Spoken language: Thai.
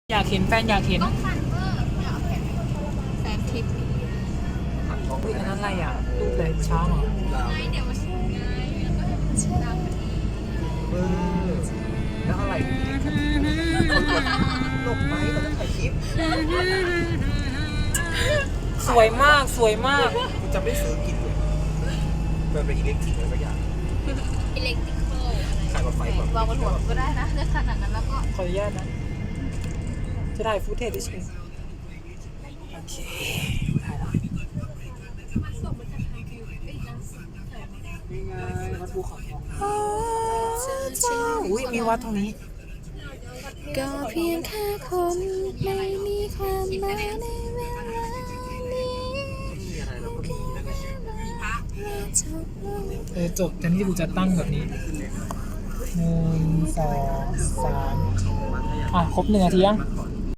อยากเห็นแฟนอยากเห็นต้องฟันเวอร์อยากเอาแฟนคลิปอุ้ยอันนั้นอะไรอ่ะรูปเลยช้างเหรอไงเดี๋ยวมาชิมไงแล้วก็ให้มันดาวพอดีแล้วอะไรหลบไหมเราจะถ่ายคลิปสวยมากสวยมากกูจะไม่ซื้อกินเลยมันเป็นอิเล็กทริกอะไรสักอย่างอิเล็กทริคอลขายรถไฟแบบวางบนหัวก็ได้นะเลือกขนาดนั้นแล้วก็ขออนุญาตนะ จะถ่ายฟุตเทจเฉยโอเคถ่ายละมันส่งมาจากทางคิวไอ้จังสินี่ไงวัดภูเขาทองอุ้ยมีวัดตรงนี้ก็เพียงแค่คนไม่มีความหมายในเวลานี้มีอะไรเราก็มีนั่นแหละจบแต่นี่กูจะตั้งแบบนี้1 2 3ครบ1 นาทียังก่อน